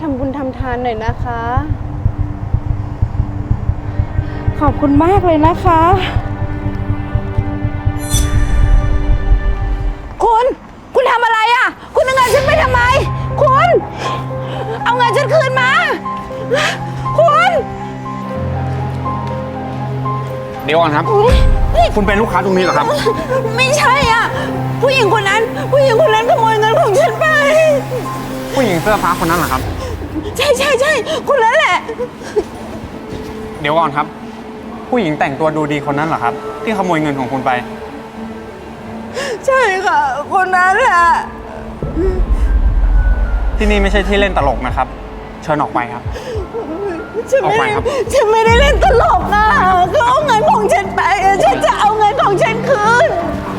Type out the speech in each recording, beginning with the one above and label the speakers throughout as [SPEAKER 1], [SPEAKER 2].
[SPEAKER 1] ำบุญทำทานหน่อยนะคะขอบคุณมากเลยนะคะคุณทำอะไรอ่ะคุณเอาเงินฉันไปทำไมคุณเอาเงินฉันคืนมาคุณ
[SPEAKER 2] เดี๋ยวก่อนครับคุณเป็นลูกค้าตรงนี้เหรอครับ
[SPEAKER 1] ไม่ใช่อ่ะผู้หญิงคนนั้นขโมยเงินของฉันไป
[SPEAKER 2] ผู้หญิงเสื้อฟ้าคนนั้นเหรอครับ
[SPEAKER 1] ใช่คนนั้นแหละ
[SPEAKER 2] เดี๋ยวก่อนครับผู้หญิงแต่งตัวดูดีคนนั้นเหรอครับที่ขโมยเงินของคุณไป
[SPEAKER 1] ใช่ค่ะคนนั้นแหละ
[SPEAKER 2] ที่นี่ไม่ใช่ที่เล่นตลกนะครับเชิญออกไปครับออกไปครับ
[SPEAKER 1] ฉันไม่ได้เล่นตลกอ่ะเขาเอาเงินของฉันไปฉันจะเอาเงินของฉันคืน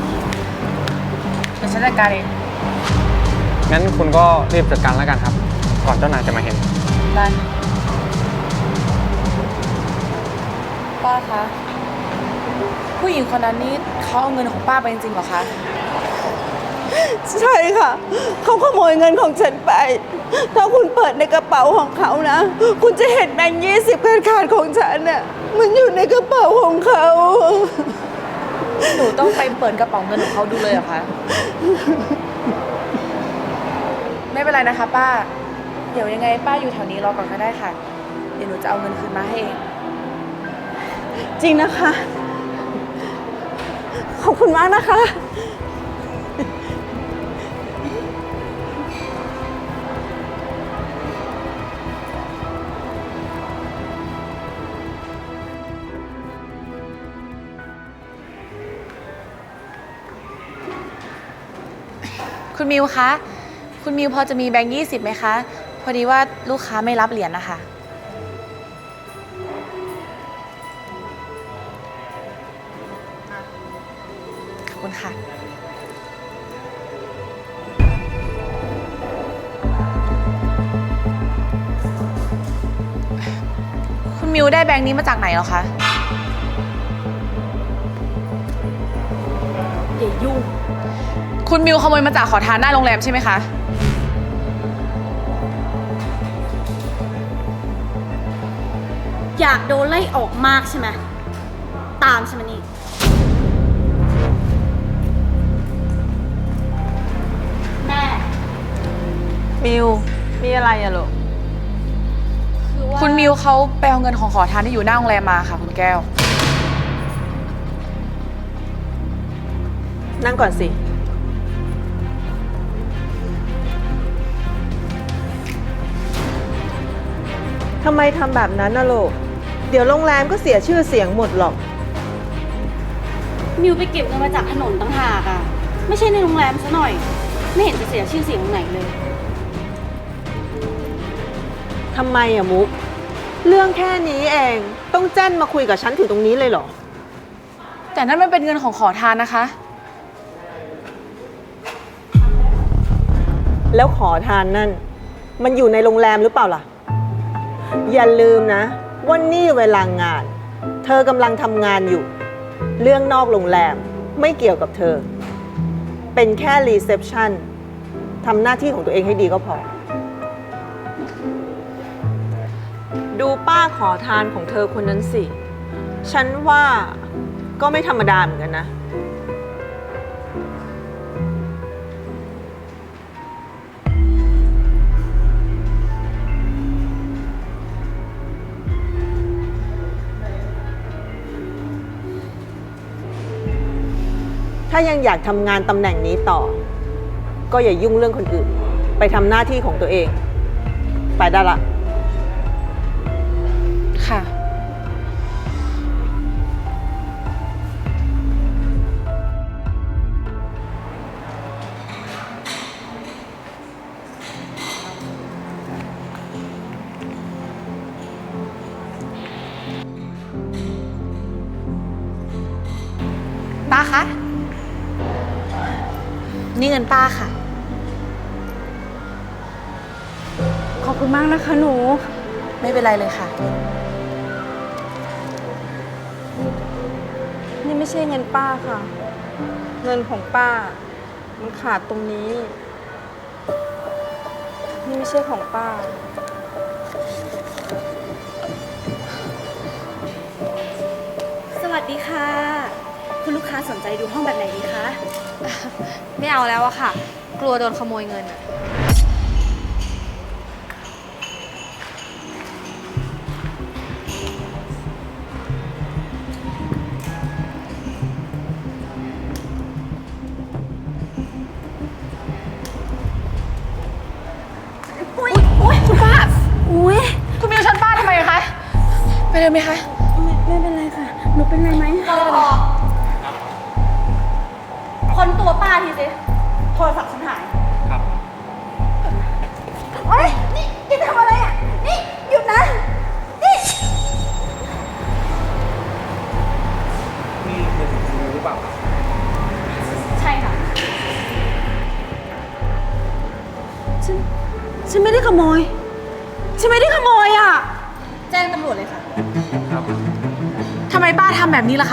[SPEAKER 3] เดี๋ยวฉันจัดการเอง
[SPEAKER 2] งั้นคุณก็รีบจัดการแล้วกันครับก่อนเจ้านายจะมาเห็น
[SPEAKER 3] ได้ป้าคะผู้หญิงคนนั้นนี่เขาเอาเงินของป้าไปจริงๆเหรอคะ
[SPEAKER 1] ใช่ค่ะเขาขโมยเงินของฉันไปถ้าคุณเปิดในกระเป๋าของเขานะคุณจะเห็นแบงค์20ขาดของฉันน่ะมันอยู่ในกระเป๋าของเขา
[SPEAKER 3] หนูต้องไปเปิดกระเป๋าเงินของเขาดูเลยเหรอคะไม่เป็นไรนะคะป้าเดี๋ยวยังไงป้าอยู่แถวนี้รอก่อนก็ได้ค่ะเดี๋ยวหนูจะเอาเงินคืนมาให้เอง
[SPEAKER 1] จริงนะคะขอบคุณมากนะคะ
[SPEAKER 3] คุณมิวคะ คุณมิวพอจะมีแบงค์20ไหมคะ พอดีว่าลูกค้าไม่รับเหรียญนะคะ ขอบคุณค่ะ คุณมิวได้แบงค์นี้มาจากไหนเหรอคะ
[SPEAKER 1] อย่ายุ่ง
[SPEAKER 3] คุณมิวขโมยมาจากขอทานหน้าโรงแรมใช่ไหมคะ
[SPEAKER 4] อยากโดนไล่ออกมากใช่ไหมตามใช่ไหมนี่แม่
[SPEAKER 1] มิวมีอะไรอะลูก
[SPEAKER 3] คุณมิวเขาไปเอาเงินของขอทานที่อยู่หน้าโรงแรมมาค่ะคุณแก้ว
[SPEAKER 1] นั่งก่อนสิทำไมทำแบบนั้นนะลูกเดี๋ยวโรงแรมก็เสียชื่อเสียงหมดหรอก
[SPEAKER 4] มิวไปเก็บเงินมาจากถนนต่างหากอะไม่ใช่ในโรงแรมซะหน่อยไม่เห็นจะเสียชื่อเสียงตรงไหนเลย
[SPEAKER 1] ทำไมอะมุกเรื่องแค่นี้เองต้องแจ้นมาคุยกับฉันถึงตรงนี้เลยเหรอ
[SPEAKER 3] แต่นั่นมันเป็นเงินของขอทานนะคะ
[SPEAKER 1] แล้วขอทานนั่นมันอยู่ในโรงแรมหรือเปล่าล่ะอย่าลืมนะว่านี่เวลางานเธอกำลังทำงานอยู่เรื่องนอกโรงแรมไม่เกี่ยวกับเธอเป็นแค่รีเซพชันทำหน้าที่ของตัวเองให้ดีก็พอดูป้าขอทานของเธอคนนั้นสิฉันว่าก็ไม่ธรรมดาเหมือนกันนะถ้ายังอยากทำงานตำแหน่งนี้ต่อก็อย่ายุ่งเรื่องคนอื่นไปทำหน้าที่ของตัวเองไปได้ละ
[SPEAKER 3] ค่ะป้าคะนี่เงินป้าค่ะ
[SPEAKER 1] ขอบคุณมากนะคะหนู
[SPEAKER 3] ไม่เป็นไรเลยค่ะ
[SPEAKER 1] นี่ไม่ใช่เงินป้าค่ะเงินของป้ามันขาดตรงนี้นี่ไม่ใช่ของป้า
[SPEAKER 4] วัสดีค่ะ คุณลูกค้าสนใจดูห้องแบบไหนดีคะ
[SPEAKER 5] ไม่เอาแล้วอะค่ะ กลัวโดนขโมยเงินอะ
[SPEAKER 4] อุ้ยคุณป้าอุ้ย
[SPEAKER 3] คุณมิวชนป้าทำไมคะ ไปเลยไหมคะ
[SPEAKER 4] ไม่เป็นไรค่ะ หนูเป็นไรไหมคนตัวป้าทีสิโทรศัพท์ฉันหาย
[SPEAKER 2] ครับ
[SPEAKER 4] เฮ้ย นี่ทำอะไรอ่ะ นี่ หยุดนะ นี่
[SPEAKER 2] นี่มือถือคุณมิวหรือเปล่าครับ
[SPEAKER 4] ใช่ค่ะ ฉันไม่ได้ขโมย ฉันไม่ได้ขโมยอ่ะ แจ้งตำรวจเลยค่ะ
[SPEAKER 2] ครับ
[SPEAKER 3] ทำไมป้าทำแบบนี้ล่ะคะ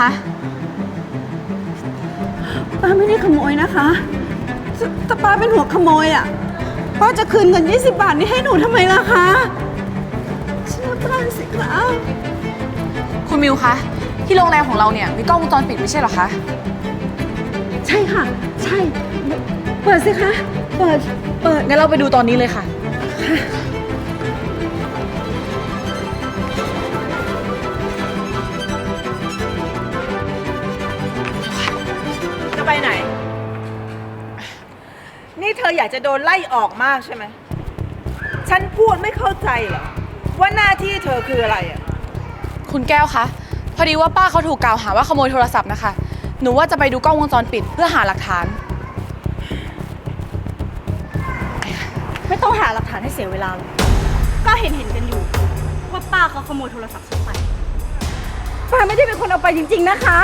[SPEAKER 6] ป้าไม่ได้ขโมยนะคะถ้าป้าเป็นหัวขโมยอ่ะ ป้าจะคืนเงิน20 บาทนี้ให้หนูทำไมล่ะคะเชื่อป้าสิคะ
[SPEAKER 3] คุณมิวคะ ที่โรงแรมของเราเนี่ยมีกล้องวงจรปิดไม่ใช่เหรอคะ
[SPEAKER 6] ใช่ค่ะ ใช่ เปิดสิคะ เปิด
[SPEAKER 3] งั้นเราไปดูตอนนี้เลยค่ะ
[SPEAKER 1] จะไปไหน นี่เธออยากจะโดนไล่ออกมากใช่ไหม ฉันพูดไม่เข้าใจเหรอ ว่าหน้าที่เธอคืออะไรอ่ะ
[SPEAKER 3] คุณแก้วคะ พอดีว่าป้าเขาถูกกล่าวหาว่าขโมยโทรศัพท์นะคะ หนูว่าจะไปดูกล้องวงจรปิดเพื่อหาหลักฐาน
[SPEAKER 4] ไม่ต้องหาหลักฐานให้เสียเวลาเลยก็เห็นกันอยู่ ว่าป้าเขาขโมยโทรศัพท์ฉันไป
[SPEAKER 6] ป้าไม่ได้เป็นคนเอาไปจริงๆนะคะ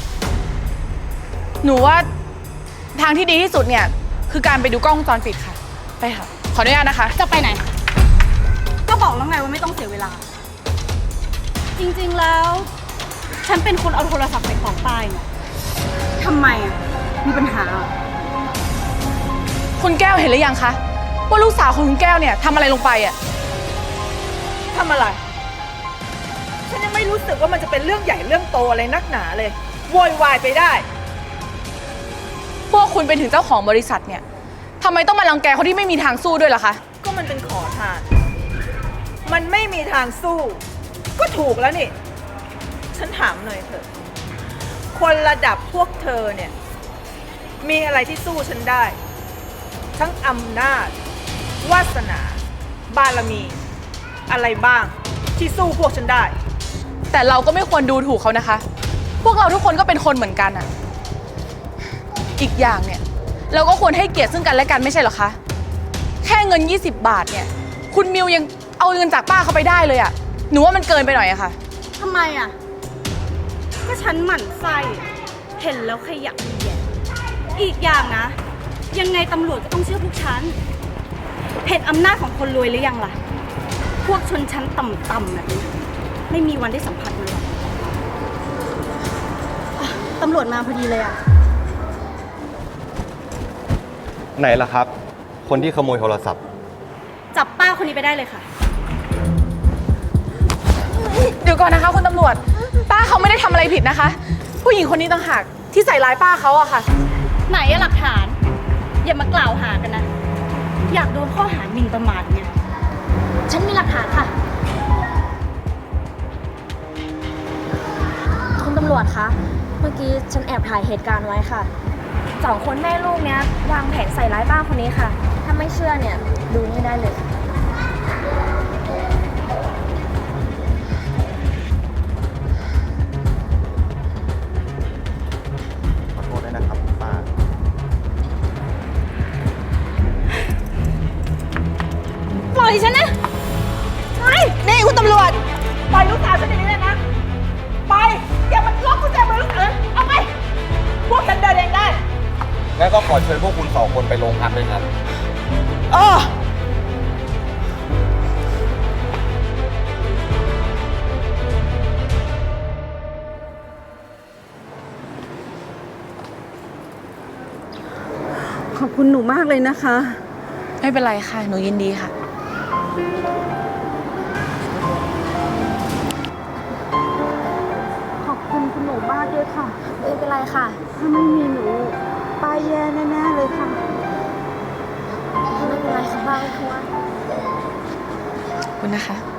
[SPEAKER 3] หนูว่าทางที่ดีที่สุดเนี่ยคือการไปดูกล้องวงจรปิดค่ะ ไปค่ะ ขออนุญาตนะคะ
[SPEAKER 4] จะไปไหน ก็บอกแล้วไงว่าไม่ต้องเสียเวลา จริงๆแล้ว ฉันเป็นคนเอาโทรศัพท์ไปของป้ายเนี่ยทำไมอ่ะ มีปัญหาอ่ะ
[SPEAKER 3] คุณแก้วเห็นหรือยังคะว่าลูกสาวของคุณแก้วเนี่ยทำอะไรลงไปอ่ะ
[SPEAKER 1] ทำอะไร ฉันยังไม่รู้สึกว่ามันจะเป็นเรื่องใหญ่เรื่องโตอะไรนักหนาเลย โวยวายไปได้
[SPEAKER 3] พวกคุณเป็นถึงเจ้าของบริษัทเนี่ยทำไมต้องมารังแกคนที่ไม่มีทางสู้ด้วยล่ะคะ
[SPEAKER 1] ก็มันเป็นขอทาน มันไม่มีทางสู้ ก็ถูกแล้วนี่ ฉันถามหน่อยเถอะ คนระดับพวกเธอเนี่ย มีอะไรที่สู้ฉันได้ ทั้งอำนาจ วาสนา บารมี อะไรบ้างที่สู้พวกฉันได้
[SPEAKER 3] แต่เราก็ไม่ควรดูถูกเขานะคะ พวกเราทุกคนก็เป็นคนเหมือนกันอ่ะ อีกอย่างเนี่ยเราก็ควรให้เกียรติซึ่งกันและกันไม่ใช่เหรอคะ แค่เงิน20 บาทเนี่ย คุณมิวยังเอาเงินจากป้าเขาไปได้เลยอ่ะ หนูว่ามันเกินไปหน่อยอะค่ะ
[SPEAKER 4] ทำไมอ่ะ ก็ฉันหมั่นไส้เห็นแล้วขยะแยะอีกอย่างนะ ยังไงตำรวจก็ต้องเชื่อพวกฉัน เห็นอำนาจของคนรวยหรือยังล่ะ พวกชนชั้นต่ำๆแบบนี้ไม่มีวันได้สัมผัสมันหรอกอ่ะตำรวจมาพอดีเลยอ่ะ
[SPEAKER 7] ไหนล่ะครับ คนที่ขโมยโทรศัพท์
[SPEAKER 4] จับป้าคนนี้ไปได้เลยค่ะ
[SPEAKER 3] เดี๋ยวก่อนนะคะคุณตำรวจ ป้าเขาไม่ได้ทำอะไรผิดนะคะ ผู้หญิงคนนี้ต่างหากที่ใส่ร้ายป้าเขาอะค่ะ
[SPEAKER 4] ไหนอะหลักฐาน อย่ามากล่าวหากันนะ อยากโดนข้อหาหมิ่นประมาทไงฉันมีหลักฐานค่ะ
[SPEAKER 5] คุณตำรวจคะ เมื่อกี้ฉันแอบถ่ายเหตุการณ์ไว้ค่ะ2 คนแม่ลูกเนี้ยวางแผนใส่ร้ายป้าคนนี้ค่ะ ถ้าไม่เชื่อเนี่ยดูนี่ได้เลย
[SPEAKER 7] ขอโทษด้วยนะครับป้า
[SPEAKER 4] ปล่อยฉันนะไป
[SPEAKER 1] นี่คุณตำรวจ ปล่อยลูกสาวฉันอย่างนี้เลยนะ ไป อย่ามาล็อกกุญแจมือลูกเอ๋ยเอาไป พวกฉันเดินเองได้
[SPEAKER 7] งั้นก็ขอเชิญพวกคุณ2 คนไปโรงพักด้วยครับ
[SPEAKER 1] เออ
[SPEAKER 6] ขอบคุณหนูมากเลยนะคะ
[SPEAKER 3] ไม่เป็นไรค่ะ หนูยินดีค่ะ
[SPEAKER 4] ขอบคุณคุณหนู
[SPEAKER 6] ด้วยค่ะ
[SPEAKER 5] ไม่เป็นไรค่ะ
[SPEAKER 6] ถ้าไม่มีหนูป้าแย่แน่ๆเลยค่ะ
[SPEAKER 5] ไม่เป็นไรค่ะป้าไม่กลัว
[SPEAKER 3] ขอบคุณนะคะ